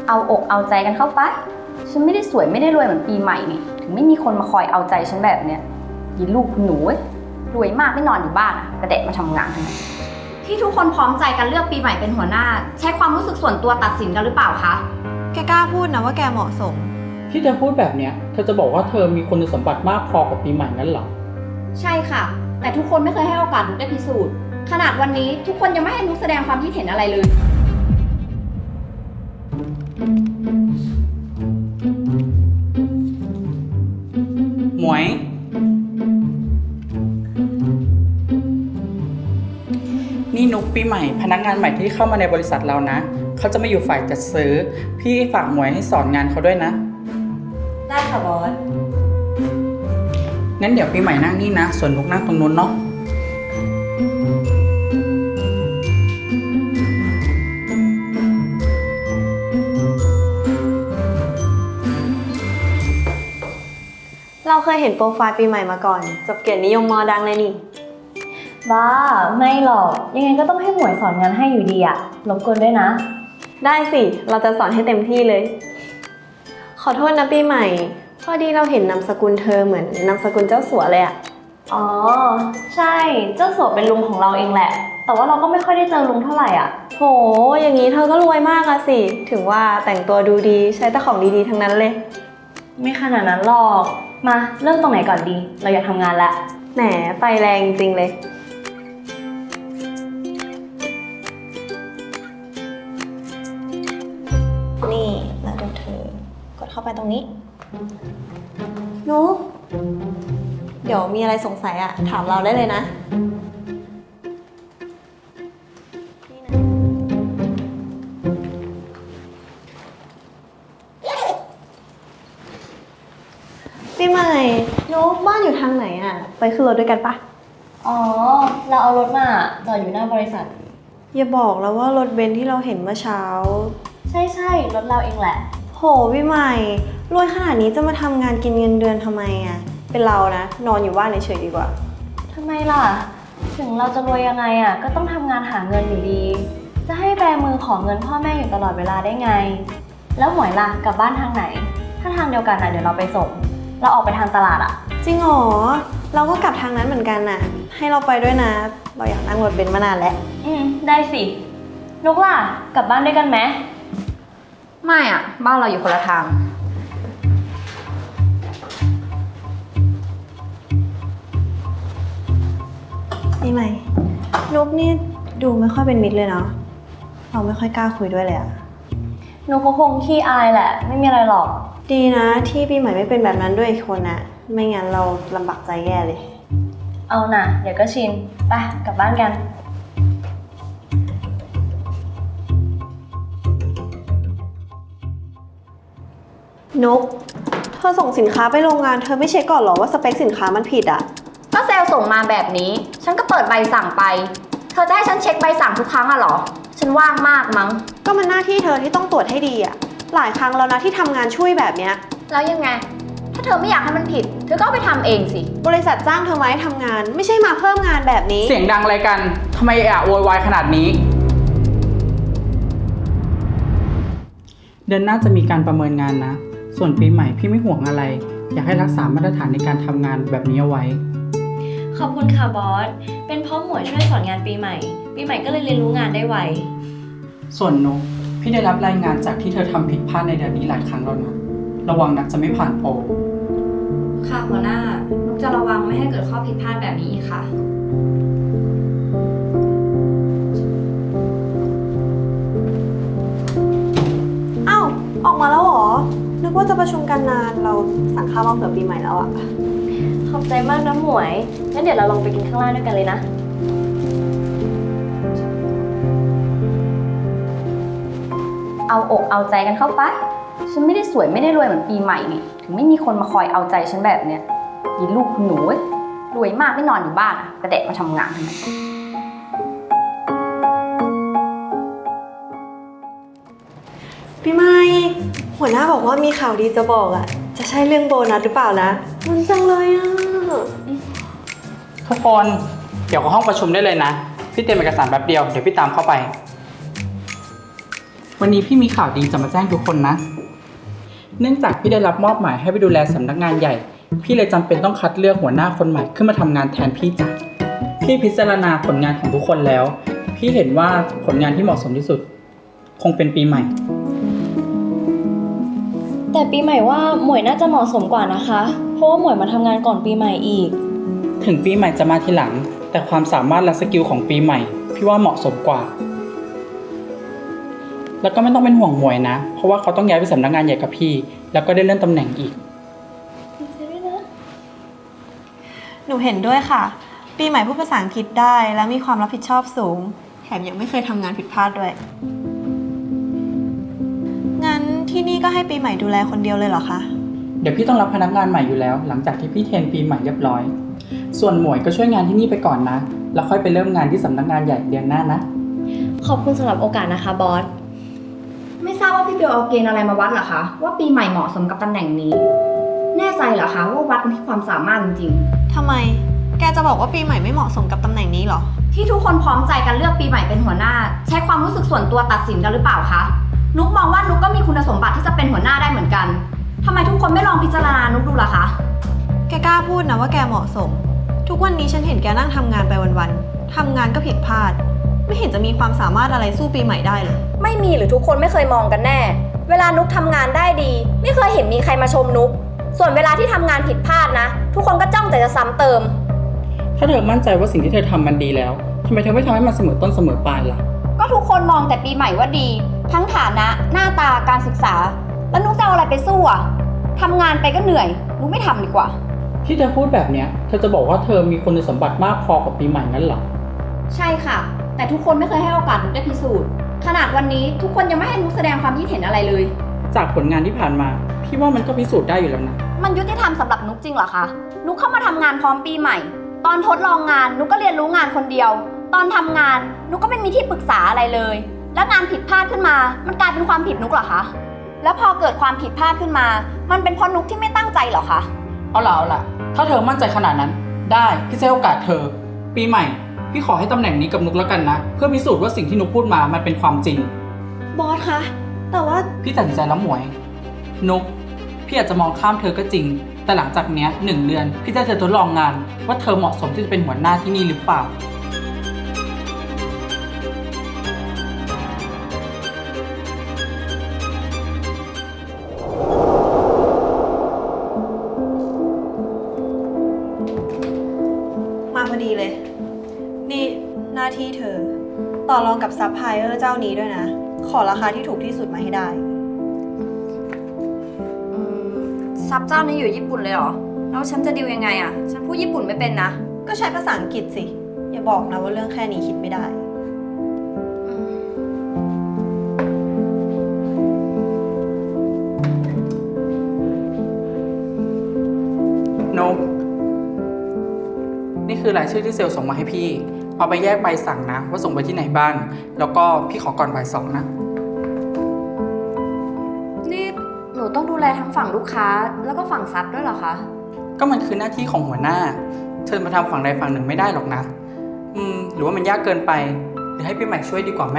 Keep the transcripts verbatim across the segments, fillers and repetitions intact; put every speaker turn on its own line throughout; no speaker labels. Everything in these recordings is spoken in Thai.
เอาอกเอาใจกันเข้าไปฉันไม่ได้สวยไม่ได้รวยเหมือนปีใหม่นี่ถึงไม่มีคนมาคอยเอาใจฉันแบบเนี้ยยินลูกคุณหนูรวยมากไม่นอนอยู่บ้านอะกระเดะมาทำงานทั้งนั้นที่ทุกคนพร้อมใจกันเลือกปีใหม่เป็นหัวหน้าใช้ความรู้สึกส่วนตัวตัดสินกันหรือเปล่าคะ
แกกล้าพูดนะว่าแกเหมาะสม
ที่เธอพูดแบบเนี้ยเธอจะบอกว่าเธอมีคุณสมบัติมากพอกับปีใหม่งั้นเหรอ
ใช่ค่ะแต่ทุกคนไม่เคยให้โอกาสนุกได้พิสูจน์ขนาดวันนี้ทุกคนยังไม่ให้นุกแสดงความคิดเห็นอะไรเลย
หมวยนี่นุกปีใหม่พนักงานใหม่ที่เข้ามาในบริษัทเรานะเขาจะมาอยู่ฝ่ายจัดซื้อพี่ฝากหมวยให้สอนงานเขาด้วยนะ
ได้ค่ะบอส
งั้นเดี๋ยวปีใหม่นั่งนี่นะส่วนนุกนั่งตรงนู้นเนาะ
เราเคยเห็นโปรไฟล์ปีใหม่มาก่อนจบเกียรตินิยมมอดังเลยนี่
บ้าไม่หรอกยังไงก็ต้องให้หมวยสอนงานให้อยู่ดีอะรบกวนด้วยนะ
ได้สิเราจะสอนให้เต็มที่เลยขอโทษนะปีใหม่พอดีเราเห็นนามสกุลเธอเหมือนนามสกุลเจ้าสัวเลยอะ
อ๋อใช่เจ้าสัวเป็นลุงของเราเองแหละแต่ว่าเราก็ไม่ค่อยได้เจอลุงเท่าไหร่อ่ะ
โหอย่างนี้เธอก็รวยมากอะสิถึงว่าแต่งตัวดูดีใช้แต่ของดีๆทั้งนั้นเลย
ไม่ขนาดนั้นหรอกมาเริ่มตรงไหนก่อนดีเราอยากทำงานแล้ว
แหมไฟแรงจริงเลยนี่แล้วดูเธอกดเข้าไปตรงนี้นุ๊กเดี๋ยวมีอะไรสงสัยอะถามเราได้เลยนะปีใหม่นุ๊กบ้านอยู่ทางไหนอะไปขึ้นรถด้วยกันปะ
อ๋อเราเอารถมาจอดอยู่หน้าบริษัท
อย่าบอกแล้วว่ารถเบนซ์ที่เราเห็นเมื่อเช้า
ใช่ใช่รถเราเองแหละ
โหพี่ใหม่รวยขนาดนี้จะมาทำงานกินเงินเดือนทำไมอะเป็นเรานะนอนอยู่บ้านเฉยๆดีกว่า
ทำไมล่ะถึงเราจะรวยยังไงอะก็ต้องทำงานหาเงินอยู่ดีจะให้แบมือขอเงินพ่อแม่อยู่ตลอดเวลาได้ไงแล้วหมวยล่ะกลับบ้านทางไหนถ้าทางเดียวกันอะเดี๋ยวเราไปส่งเราออกไปทางตลาดอะ
จริงเหรอเราก็กลับทางนั้นเหมือนกันน่ะให้เราไปด้วยนะเราอยากนั่งรถเบนซ์มานานแล้ว
อืมได้สินุกล่ะกลับบ้านด้วยกันไหม
ไม่อะบ้านเราอยู่คนละทาง
นี่ไหมนุกนี่ดูไม่ค่อยเป็นมิตรเลยเนาะเราไม่ค่อยกล้าคุยด้วยเลยอะ
นุกก็คงขี้อายแหละไม่มีอะไรหรอก
ดีนะที่ปีใหม่ไม่เป็นแบบนั้นด้วยอีกคนนะไม่งั้นเราลำบากใจแย่เลย
เอาน่ะเดี๋ยวก็ชินไปกลับบ้านกัน
นุกเธอส่งสินค้าไปโรงงานเธอไม่เช็คก่อนหรอว่าสเปคสินค้ามันผิดอ่ะ
ก็เซลล์ส่งมาแบบนี้ฉันก็เปิดใบสั่งไปเธอจะให้ฉันเช็คใบสั่งทุกครั้งอะหรอฉันว่างมากมั้ง
ก็มันหน้าที่เธอที่ต้องตรวจให้ดีอ่ะหลายครั้งแล้วนะที่ทำงานช่วยแบบเนี้ย
แล้วยังไงถ้าเธอไม่อยากให้มันผิดเธอก็ไปทำเองสิ
บริษัทจ้างเธอมาให้ทำงานไม่ใช่มาเพิ่มงานแบบนี้
เสียงดังอะไรกันทำไมอะโวยวายขนาดนี้เดือนหน้าจะมีการประเมินงานนะส่วนปีใหม่พี่ไม่ห่วงอะไรอยากให้รักษามาตรฐานในการทำงานแบบนี้เอาไว้
ขอบคุณค่ะบอสเป็นเพราะหมวยช่วยสอนงานปีใหม่ปีใหม่ก็เลยเรียนรู้งานได้ไว
ส่วนนุกพี่ได้รับรายงานจากที่เธอทำผิดพลาดในเดือนนี้หลายครั้งแล้วนะระวังนะจะไม่ผ่านโปร
ค่ะหัวหน้านุกจะระวังไม่ให้เกิดข้อผิดพลาดแบบนี้อีกค่ะ
อ้าวออกมาแล้วเหรอนึกว่าจะประชุมกันนานเราสั่งข้าวมาเผื่อปีใหม่แล้วอะ
ขอบใจมากนะหมวยงั้นเดี๋ยวเราลงไปกินข้างล่างด้วยกันเลยนะ
เอาอกเอาใจกันเข้าไปฉันไม่ได้สวยไม่ได้รวยเหมือนปีใหม่นี่ถึงไม่มีคนมาคอยเอาใจฉันแบบเนี้ยยินลูกคุณหนูรวยมากไม่นอนอยู่บ้านอะกระเดะมาทำงานทำไม
ปีใหม่หัวหน้าบอกว่ามีข่าวดีจะบอกอะจะใช่เรื่องโบนัสหรือเปล่านะมันจังเลยอะ
ทุกคนเดี๋ยวเข้าห้องประชุมได้เลยนะพี่เตรียมเอกสารแป๊บเดียวเดี๋ยวพี่ตามเข้าไปวันนี้พี่มีข่าวดีจะมาแจ้งทุกคนนะ เนื่องจากพี่ได้รับมอบหมายให้ไปดูแลสำนักงานใหญ่ พี่เลยจำเป็นต้องคัดเลือกหัวหน้าคนใหม่ขึ้นมาทำงานแทนพี่จ้ะพี่พิจารณาผลงานของทุกคนแล้ว พี่เห็นว่าผลงานที่เหมาะสมที่สุด คงเป็นปีใหม่
แต่ปีใหม่ว่าหมวยน่าจะเหมาะสมกว่านะคะ เพราะว่าหมวยมาทำงานก่อนปีใหม่อีก
ถึงปีใหม่จะมาทีหลัง แต่ความสามารถและสกิลของปีใหม่ พี่ว่าเหมาะสมกว่า แล้วก็ไม่ต้องเป็นห่วงหมวยนะ เพราะว่าเขาต้องย้ายไปสำนักงานใหญ่กับพี่ แล้วก็ได้เลื่อนตำแหน่งอีก
หนูเห็นด้วยค่ะ ปีใหม่พูดภาษาอังกฤษได้และมีความรับผิดชอบสูง แถมยังไม่เคยทำงานผิดพลาดด้วย งั้นที่นี่ก็ให้ปีใหม่ดูแลคนเดียวเลยเหรอคะ
เดี๋ยวพี่ต้องรับพนักงานใหม่อยู่แล้ว หลังจากที่พี่เทรนปีใหม่เรียบร้อย ส่วนหมวยก็ช่วยงานที่นี่ไปก่อนนะ แล้วค่อยไปเริ่มงานที่สำนักงานใหญ่เดือนหน้านะ
ขอบคุณสำหรับโอกาสนะคะบอส
ไม่ทราบว่าพี่เบลเอาเกณฑ์อะไรมาวัดเหรอคะว่าปีใหม่เหมาะสมกับตำแหน่งนี้ แน่ใจเหรอคะว่าวัดกันที่ความสามารถจริง
ทำไม แกจะบอกว่าปีใหม่ไม่เหมาะสมกับตำแหน่งนี้เหรอ
ๆที่ทุกคนพร้อมใจกันเลือกปีใหม่เป็นหัวหน้า ใช้ความรู้สึกส่วนตัวตัดสินกันหรือเปล่าคะนุกมองว่านุกก็มีคุณสมบัติที่จะเป็นหัวหน้าได้เหมือนกันทำไมทุกคนไม่ลองพิจารณานุกดูล่ะคะ
แกกล้าพูดนะว่าแกเหมาะสม ทุกวันนี้ฉันเห็นแกนั่งทำงานไปวันๆทำงานก็ผิดพลาด ไม่เห็นจะมีความสามารถอะไรสู้ปีใหม่ได้เลย
ไม่มีหรือทุกคนไม่เคยมองกันแน่ เวลานุกทำงานได้ดี ไม่เคยเห็นมีใครมาชมนุกส่วนเวลาที่ทำงานผิดพลาดนะ ทุกคนก็จ้องแต่จะซ้ำเติม
ถ้าเธอมั่นใจว่าสิ่งที่เธอทำมันดีแล้วทำไมเธอไม่ทำให้มันเสมอต้นเสมอปลายล่ะ
ก็ทุกคนมองแต่ปีใหม่ว่าดี ทั้งฐานะ หน้าตาการศึกษา แล้วนุกจะเอาอะไรไปสู้อะทำงานไปก็เหนื่อยนุกไม่ทำดีกว่า
ที่เธอพูดแบบเนี้ยเธอจะบอกว่าเธอมีคุณสมบัติมากพอกับปีใหม่งั้นเหรอ
ใช่ค่ะ แต่ทุกคนไม่เคยให้โอกาสนุกได้พิสูจน์ขนาดวันนี้ทุกคนยังไม่ให้นุกแสดงความคิดเห็นอะไรเลย
จากผลงานที่ผ่านมา พี่ว่ามันก็พิสูจน์ได้อยู่แล้วนะ
มันยุติธรรมสำหรับนุกจริงเหรอคะนุกเข้ามาทำงานพร้อมปีใหม่ ตอนทดลองงานนุกก็เรียนรู้งานคนเดียว ตอนทำงานนุกก็ไม่มีที่ปรึกษาอะไรเลย แล้วงานผิดพลาดขึ้นมา มันกลายเป็นความผิดนุกเหรอคะแล้วพอเกิดความผิดพลาดขึ้นมา มันเป็นเพราะนุกที่ไม่ตั้งใจเหรอคะ
เอาล่ะเอาล่ะ ถ้าเธอมั่นใจขนาดนั้น ได้พี่จะให้โอกาสเธอ ปีใหม่ พี่ขอให้ตำแหน่งนี้กับนุกแล้วกันนะ เพื่อพิสูจน์ว่าสิ่งที่นุกพูดมามันเป็นความจริง
บอสคะ แต่ว่า
พี่ตัดสินใจแล้วหมวย นุก พี่อาจจะมองข้ามเธอก็จริง แต่หลังจากเนี้ยหนึ่งเดือน พี่จะให้เธอทดลองงาน ว่าเธอเหมาะสมที่จะเป็นหัวหน้าที่นี่หรือเปล่า
มาพอดีเลย นี่หน้าที่เธอ ต่อรองกับซัพพลายเออร์เจ้านี้ด้วยนะ ขอราคาที่ถูกที่สุดมาให้ได้
อืมซับเจ้านี้อยู่ญี่ปุ่นเลยเหรอแล้วฉันจะดิวยังไงอะฉันพูดญี่ปุ่นไม่เป็นนะ
ก็ใช้ภาษาอังกฤษสิ อย่าบอกนะว่าเรื่องแค่นี้คิดไม่ได้
นุก นี่คือรายชื่อที่เซลล์ส่งมาให้พี่ เอาไปแยกใบสั่งนะ ว่าส่งไปที่ไหนบ้าง แล้วก็พี่ขอก่อนบ่ายสองนะ
นี่หนูต้องดูแลทั้งฝั่งลูกค้าแล้วก็ฝั่งซับด้วยเหรอคะ
ก็มันคือหน้าที่ของหัวหน้า เธอมาทำฝั่งใดฝั่งหนึ่งไม่ได้หรอกนะ อืม หรือว่ามันยากเกินไป หรือให้พี่ใหม่ช่วยดีกว่าไหม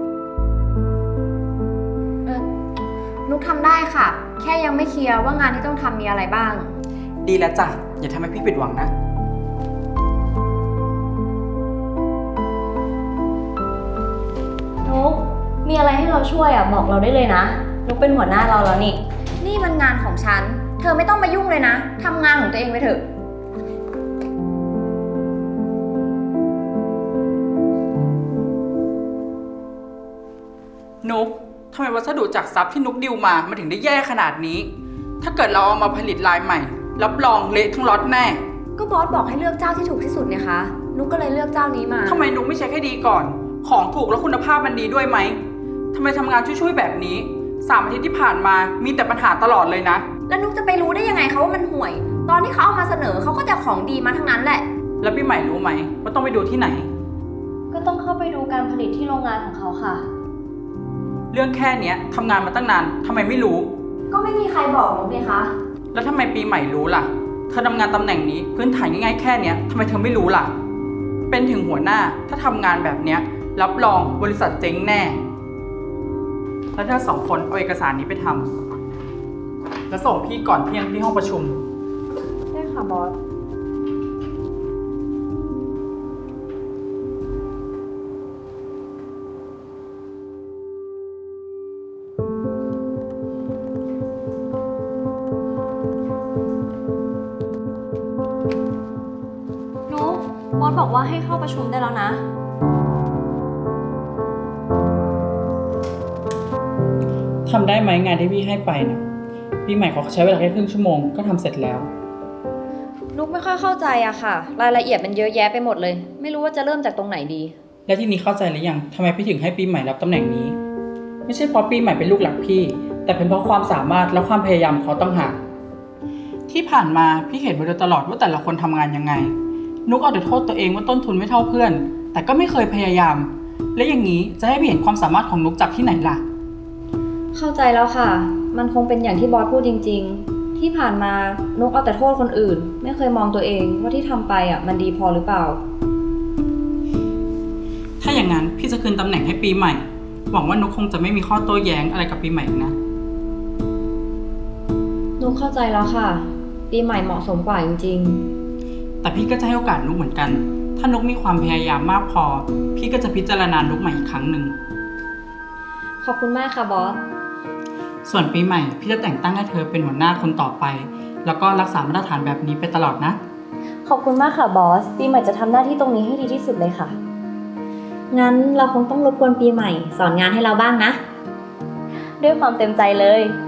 เออนุกทำได้ค่ะ แค่ยังไม่เคลียร์ว่างานที่ต้องทำมีอะไรบ้าง
ดีแล้วจ้ะ อย่าทำให้พี่ผิดหวังนะ
นุก มีอะไรให้เราช่วยอ่ะบอกเราได้เลยนะ นุกเป็นหัวหน้าเราแล้วนี่
นี่มันงานของฉัน เธอไม่ต้องมายุ่งเลยนะทำงานของตัวเองไปเถอะ
นุกทำไมวัสดุจากซับที่นุกดิวมา มันถึงได้แย่ขนาดนี้ ถ้าเกิดเราเอามาผลิตลายใหม่ รับรองเละทั้งล็อตแน่
ก็บอสบอกให้เลือกเจ้าที่ถูกที่สุดเนี่ยคะ นุกก็เลยเลือกเจ้านี้มา
ทำไมนุกไม่เช็คให้ดีก่อน ของถูกแล้วคุณภาพมันดีด้วยไหมทำไมทำงานช่วยๆแบบนี้สามอาทิตย์ที่ผ่านมามีแต่ปัญหาตลอดเลยนะ
แล้วนุกจะไปรู้ได้ยังไงคะว่ามันห่วย ตอนที่เขาเอามาเสนอเขาก็จะของดีมาทั้งนั้นแหละ
แล้วพี่ใหม่รู้ไหมว่าต้องไปดูที่ไหน
ก็ต้องเข้าไปดูการผลิตที่โรงงานของเขาค่ะ
เรื่องแค่เนี้ยทำงานมาตั้งนานทำไมไม่รู้
ก็ไม่มีใครบอกนุกเลยคะ
แล้วทำไมปีใหม่รู้ล่ะ เธอทำงานตำแหน่งนี้พื้นฐานง่ายๆแค่เนี้ยทำไมเธอไม่รู้ล่ะ เป็นถึงหัวหน้าถ้าทำงานแบบเนี้ยรับรองบริษัทเจ๊งแน่แล้วเธอสองคนเอาเอกสารนี้ไปทำแล้วส่งพี่ก่อนเที่ยงที่ห้องประชุม
ได้ค่ะบอส
นุ๊กบอสบอกว่าให้เข้าประชุมได้แล้วนะ
ทำได้ไหมงานที่พี่ให้ไปนะพี่ใหม่เขาใช้เวลาแค่ครึ่งชั่วโมงก็ทำเสร็จแล้ว
นุกไม่ค่อยเข้าใจอะค่ะ รายละเอียดมันเยอะแยะไปหมดเลย ไม่รู้ว่าจะเริ่มจากตรงไหนดี
และที่นี้เข้าใจหรือยังทำไมพี่ถึงให้ปีใหม่รับตำแหน่งนี้ ไม่ใช่เพราะปีใหม่เป็นลูกหลักพี่ แต่เป็นเพราะความสามารถและความพยายามของเขาต้องหากที่ผ่านมาพี่เห็นมาโดยตลอดว่าแต่ละคนทำงานยังไง นุกเอาแต่โทษตัวเองว่าต้นทุนไม่เท่าเพื่อน แต่ก็ไม่เคยพยายาม และอย่างนี้จะให้พี่เห็นความสามารถของนุกจากที่ไหนล่ะ
เข้าใจแล้วค่ะ มันคงเป็นอย่างที่บอสพูดจริงๆ ที่ผ่านมานุกเอาแต่โทษคนอื่น ไม่เคยมองตัวเองว่าที่ทำไปอะมันดีพอหรือเปล่า
ถ้าอย่างนั้นพี่จะคืนตำแหน่งให้ปีใหม่ หวังว่านุกคงจะไม่มีข้อโต้แย้งอะไรกับปีใหม่อีกนะ
นุกเข้าใจแล้วค่ะ ปีใหม่เหมาะสมกว่าจริง
แต่พี่ก็จะให้โอกาสนุกเหมือนกัน ถ้านุกมีความพยายามมากพอ พี่ก็จะพิจารณานุกใหม่อีกครั้งหนึ่ง
ๆ ขอบคุณมากค่ะบอส
ส่วนปีใหม่พี่จะแต่งตั้งให้เธอเป็นหัวหน้าคนต่อไป แล้วก็รักษามาตรฐานแบบนี้ไปตลอดนะ
ขอบคุณมากค่ะบอส ปีใหม่จะทำหน้าที่ตรงนี้ให้ดีที่สุดเลยค่ะ
งั้นเราคงต้องรบกวนปีใหม่ สอนงานให้เราบ้างนะ
ด้วยความเต็มใจเลย